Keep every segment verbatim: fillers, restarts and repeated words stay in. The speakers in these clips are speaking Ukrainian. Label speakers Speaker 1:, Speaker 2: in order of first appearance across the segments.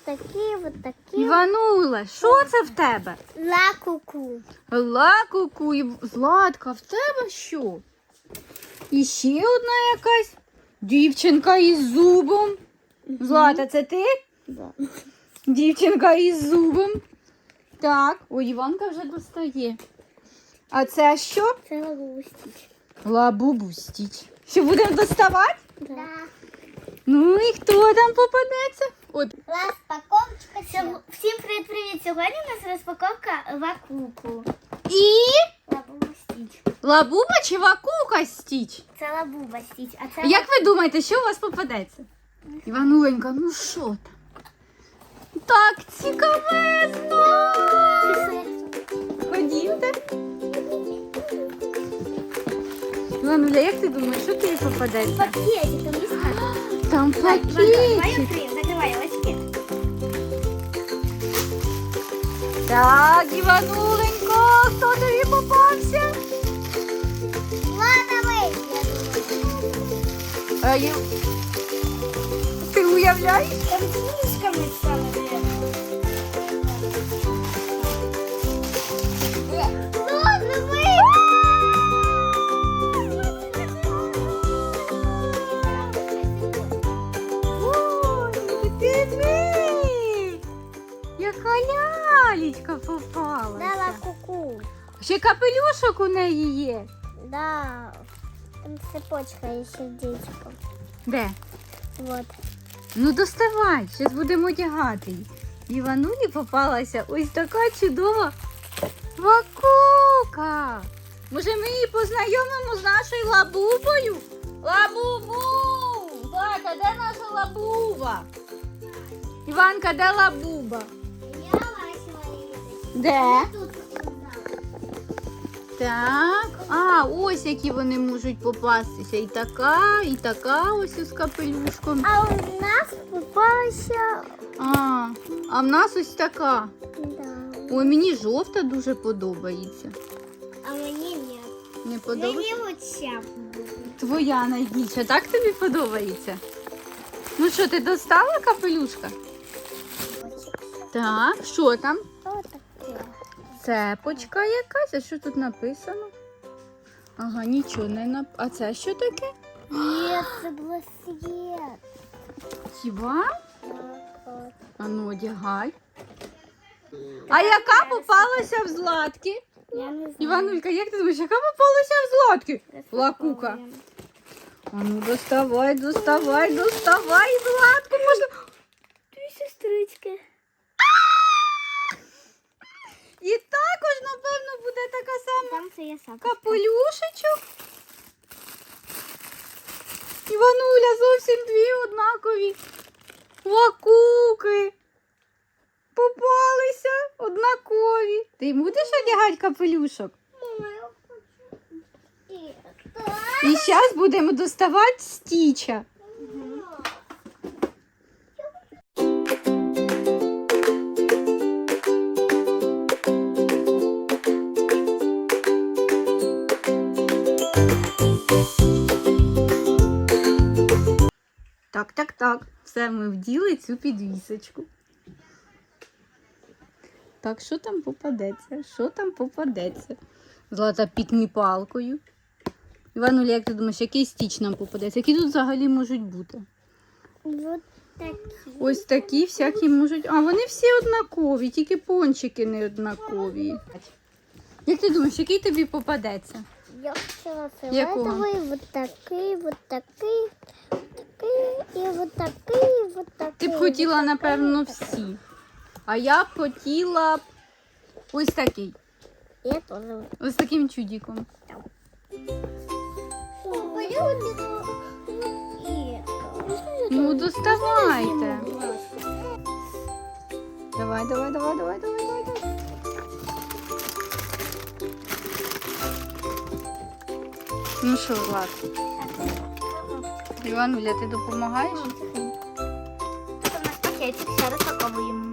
Speaker 1: такі, от такі.
Speaker 2: Іванула, що це в тебе?
Speaker 1: Ла-ку-ку.
Speaker 2: Ла-ку-ку. І Златка, в тебе що? І ще одна якась дівчинка із зубом. Злата, це ти?
Speaker 1: Да.
Speaker 2: Дівчинка із зубом. Так, ой, Іванка вже достає. А це що?
Speaker 1: Це Лабубу Стіч.
Speaker 2: Лабубу Стіч. Що, будемо доставати?
Speaker 1: Да.
Speaker 2: Ну і хто там попадеться? От.
Speaker 1: Розпаковочка. Всім привіт-привіт. Сьогодні у нас розпаковка Ла-ку-ку.
Speaker 2: І
Speaker 1: Лабуба Стіч.
Speaker 2: Лабуба чи Вакука Стіч?
Speaker 1: Це Лабуба Стіч. А це
Speaker 2: Як ви думаєте, що у вас попадеться? Івануленька, ну що там? Так цікавезно! Ходімте. Івануля, як ти думаєш, що тобі попадеться?
Speaker 1: пакетик, там листка.
Speaker 2: Там
Speaker 1: Давай
Speaker 2: пакетик.
Speaker 1: відкриємо, закривай очки.
Speaker 2: Так, Івануленько, хто тобі попався?
Speaker 1: Ладно, ми.
Speaker 2: А, я... Ти уявляєш?
Speaker 1: Там з книжками стало. Ладно, ми.
Speaker 2: Ой, диви! Яка лялечка попалася.
Speaker 1: Да, Ла-ку-ку.
Speaker 2: Ще капелюшок у неї є.
Speaker 1: Да. Там цепочка і сердечко.
Speaker 2: Де?
Speaker 1: Вот.
Speaker 2: Ну доставай, зараз будемо одягати її. Іванулі попалася ось така чудова Вакука. Може ми її познайомимо з нашою Лабубою? Лабубу! Злата, де наша Лабуба? Іванка, де Лабуба?
Speaker 1: Я бачила її.
Speaker 2: Де?
Speaker 1: Тут.
Speaker 2: Так. А, ось які вони можуть попастися. І така, і така ось із капелюшком.
Speaker 1: А у нас попалася.
Speaker 2: А, а в нас ось така.
Speaker 1: Да.
Speaker 2: Ой, мені жовта дуже подобається.
Speaker 1: А мені ні.
Speaker 2: Не подобається?
Speaker 1: Мені оця.
Speaker 2: Твоя найбільша, так тобі подобається? Ну що, ти достала капелюшка? Так, що там?
Speaker 1: Ось таке.
Speaker 2: Цепочка якась, а що тут написано? Ага, нічого не нап... А це що таке?
Speaker 1: Ні, це було світ.
Speaker 2: Хіба? А ну, одягай. А яка попалася в Златки?
Speaker 1: Я не знаю.
Speaker 2: Іванулька, як ти думаєш, яка попалася в Златки? Лакука. А ну, доставай, доставай, доставай, Златку, можна...
Speaker 1: Дві сестрички.
Speaker 2: І також, напевно, буде така сама
Speaker 1: Там це я сам.
Speaker 2: капелюшечок. Івануля, зовсім дві однакові Лакуки. Попалися однакові. Ти будеш одягати капелюшок? І зараз будемо доставати Стіча. Так, так, так. Все, ми вділи цю підвісочку. Так, що там попадеться? Що там попадеться? Злата пікні палкою. Івануля, як ти думаєш, який Стіч нам попадеться? Які тут взагалі можуть бути?
Speaker 1: Вот такі.
Speaker 2: Ось такі всякі можуть. А, вони всі однакові, тільки пончики не однакові. Як ти думаєш, який тобі попадеться?
Speaker 1: Я хотіла
Speaker 2: Якого?
Speaker 1: фіолетовий, вот такий, вот такий, такий, і вот такий, вот такий.
Speaker 2: Ти б хотіла, напевно, всі. А я б хотіла б ось такий.
Speaker 1: Я теж.
Speaker 2: Ось таким чудиком. Ну, доставайте. Давай, давай, давай, давай, давай, давай. давай. Ну що, Влад? Івануля, ти допомагаєш?
Speaker 1: Це у нас пакетик, ще розпаковуємо.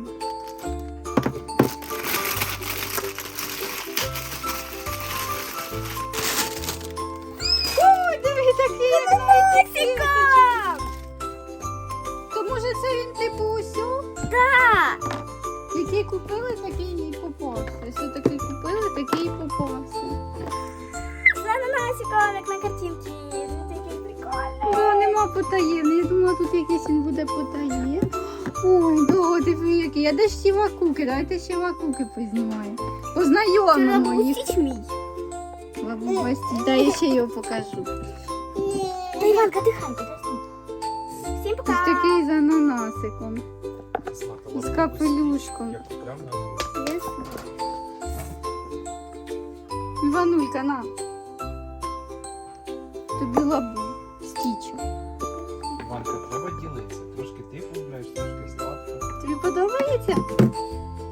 Speaker 2: Ой, диви, такий носика! То може це він типу усю?
Speaker 1: Так!
Speaker 2: Який купили, такий і попався. Ось такий купили, такий і попався.
Speaker 1: З ананасиком, як на картинці. Це такий прикольний.
Speaker 2: Да, нема потаємний. Я думала, тут якийсь він буде потаємний. Ой, да, диви який. А де ж ті вакуки? Давайте ще вакуки познімаємо. Познайомимо їх.
Speaker 1: Стіч мій.
Speaker 2: Лабуба Стіч. Да, я ще його покажу.
Speaker 1: Та Іванка, дихай, подожди. Всім
Speaker 2: Ось
Speaker 1: пока.
Speaker 2: такий з ананасиком. І з капелюшком.
Speaker 3: Як прямо на
Speaker 2: Іванулька, на. Тобі лабу. Стіч.
Speaker 3: Іванка, треба ділитися. Трошки ти полюбляєш, трошки сладко.
Speaker 2: Тобі подобається?